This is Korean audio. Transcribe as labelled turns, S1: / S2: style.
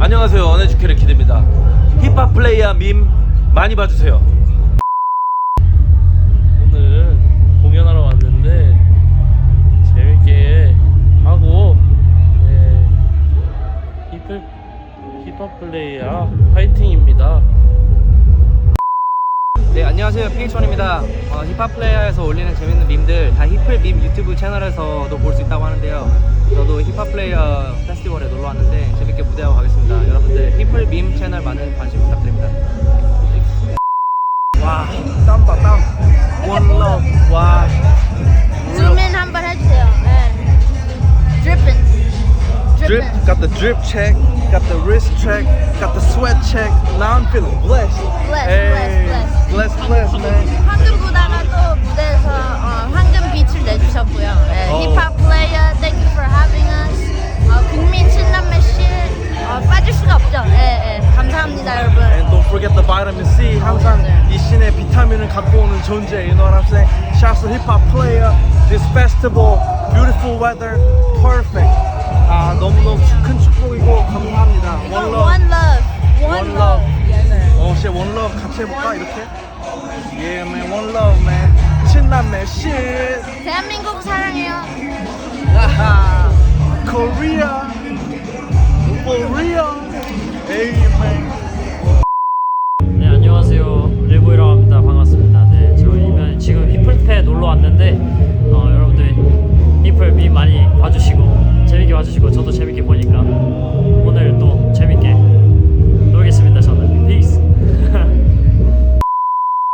S1: 안녕하세요, 언에듀케이터 키드입니다. 힙합 플레이어 밈 많이 봐주세요.
S2: 오늘 공연하러 왔는데 재밌게 하고, 힙합 플레이어 파이팅입니다.
S3: 네, 안녕하세요. PH1입니다. 힙합 플레이어에서 올리는 재밌는 밈들 다 힙플 밈 유튜브 채널에서도 볼 수 있다고 하는데요. 저도 힙합 플레이어 페스티벌에 놀러 왔는데 재밌게 무대하고 가겠습니다. 여러분들 힙플 밈 채널 많은 관심 부탁드립니다.
S1: 와, 땀다 땀. 원러. 와.
S4: 줌인 한번 해주세요. 네. Dripping.
S1: Drip, got the drip check, got the wrist check, got the sweat check. Now I'm feeling blessed. Blessed, man.
S4: 황금보다가 또 무대에서 황금 빛을 내주셨고요. 네, 힙합 플레이어, thank you for having us. 국민 친남매 씨 빠질 수가 없죠. 네, 감사합니다, 여러분.
S1: And don't forget the vitamin C. 항상 이 신의 비타민을 갖고 오는 존재. You know what I'm saying? Shouts to hip hop player. This festival, beautiful weather, perfect. 너무너무 큰 축복이고 감사합니다.
S4: 이거
S1: One love.
S4: one love.
S1: One love. 진짜 one love 같이 해볼까 이렇게? Yeah, man, one love, man. 친남매 shit.
S4: 대한민국 사랑해요.
S1: 아하. Korea. For real. Amen.
S2: 네, 안녕하세요. 일보이라고 합니다. 반갑습니다. 네, 저희는 지금 힙플페 놀러 왔는데 여러분들 힙플 밈 많이 봐주시고 재밌게 봐주시고 저도 재밌게 보니까 오늘 또